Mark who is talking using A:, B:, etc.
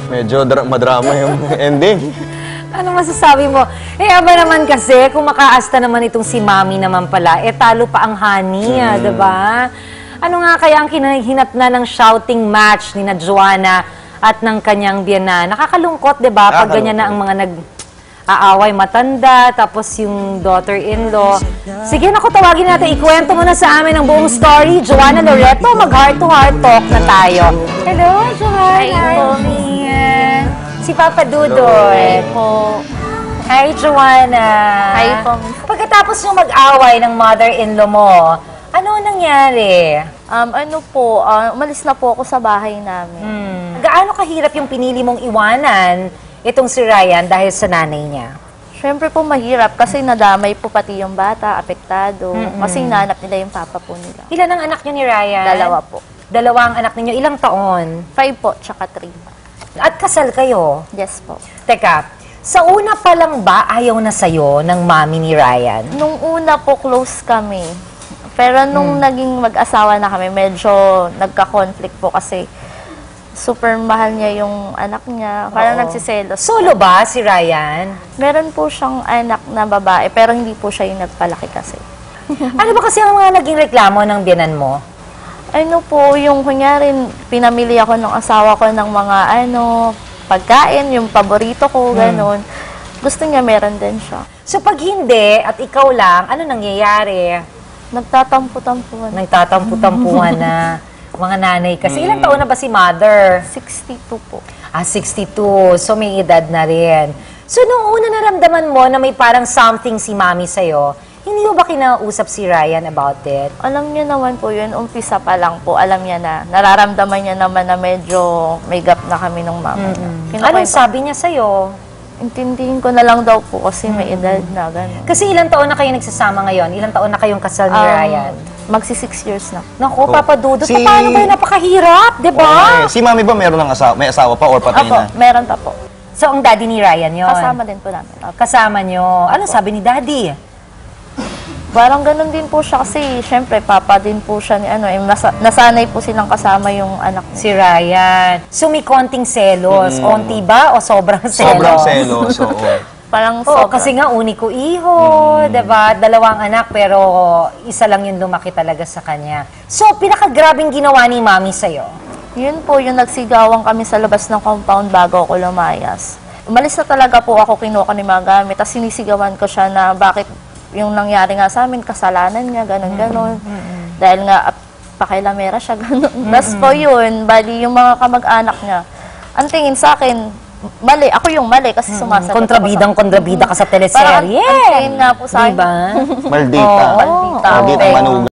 A: Medyo madrama yung ending.
B: Ano masasabi mo? Aba naman kasi, kung makaasta naman itong si Mami naman pala, talo pa ang Honey, diba? Ano nga kaya ang kinahinatnan ng shouting match ni na Joanna at ng kanyang biyanan? Nakakalungkot, diba? Pag ganyan na ang mga aaway matanda, tapos yung daughter-in-law. Sige, naku, tawagin natin. Ikwento mo na sa amin ang buong story. Joanna Loreto, mag-heart-to-heart talk na tayo. Hello, Joanna. Hi, Mommy. Si Papa Dudoy.
C: Hi po.
B: Hi, Joanna.
C: Hi po.
B: Pagkatapos yung mag-away ng mother-in-law mo, ano nangyari?
C: Umalis na po ako sa bahay namin.
B: Gaano kahirap yung pinili mong iwanan itong si Ryan dahil sa nanay niya?
C: Siyempre po mahirap kasi nadamay po pati yung bata, apektado. Kasi nanap nila yung papa po nila.
B: Ilan ang anak niyo ni Ryan?
C: 2 po.
B: 2 ang anak ninyo. Ilang taon?
C: 5 po, tsaka 3.
B: At kasal kayo?
C: Yes po.
B: Teka, sa una pa lang ba ayaw na sa'yo ng mami ni Ryan?
C: Nung una po, close kami. Pero nung naging mag-asawa na kami, medyo nagka-conflict po kasi super mahal niya yung anak niya. Parang nagsiselos.
B: Solo ba si Ryan?
C: Meron po siyang anak na babae, pero hindi po siya yung nagpalaki kasi.
B: Ano ba kasi ang mga naging reklamo ng biyanan mo?
C: Ano po, yung kunyari, pinamili ako ng asawa ko ng mga pagkain, yung paborito ko, gano'n. Gusto niya, meron din siya.
B: So pag hindi, at ikaw lang, ano nangyayari?
C: Nagtatampo-tampuan.
B: Nagtatampu-tampuhan na mga nanay. Kasi ilang taon na ba si mother?
C: 62 po.
B: 62. So may edad na rin. So nung una naramdaman mo na may parang something si mami sa'yo, hindi mo ba kinausap si Ryan about it?
C: Alam niya naman po yun, umpisa pa lang po, alam niya na, nararamdaman niya naman na medyo may gap na kami ng mama niya.
B: Anong sabi niya sa'yo?
C: Intindihin ko na lang daw po kasi may edad na gano'n.
B: Kasi ilang taon na kayo nagsasama ngayon? Ilang taon na kayong kasal ni Ryan?
C: Magsi 6 years na.
B: Naku, Papa Dudut, paano ba yun? Napakahirap, di ba?
A: Si Mami ba meron ng asawa? May asawa pa or patay na?
C: Meron pa po.
B: So, ang daddy ni Ryan yun?
C: Kasama din po namin.
B: Kasama nyo. Ano sabi ni daddy?
C: Parang ganun din po siya kasi syempre papa din po siya ni nasanay po silang kasama yung anak niya.
B: Si Ryan. So may konting selos. Konti ba o sobrang selos?
A: Sobrang selos, oo.
C: Parang
B: Oo, kasi nga uniko iho, diba? 2 anak pero isa lang yung lumaki talaga sa kanya. So pinakagrabing ginawa ni Mami sa'yo?
C: Yun po, yung nagsigawan kami sa labas ng compound bago ako lumayas. Umalis na talaga po ako, kinuha ko ni mga gamit, tapos sinisigawan ko siya na bakit yung nangyari nga sa amin, kasalanan niya, ganon. Dahil nga, pakilamera siya, ganon. Tapos po yun, bali yung mga kamag-anak niya, ang tingin sa akin, mali. Ako yung mali kasi sumasagot
B: Kontrabida ka sa teleserye.
C: Parang ang tingin nga po sa akin.
B: Diba?
A: Maldita.
C: Maldita.
A: Maldita manuga.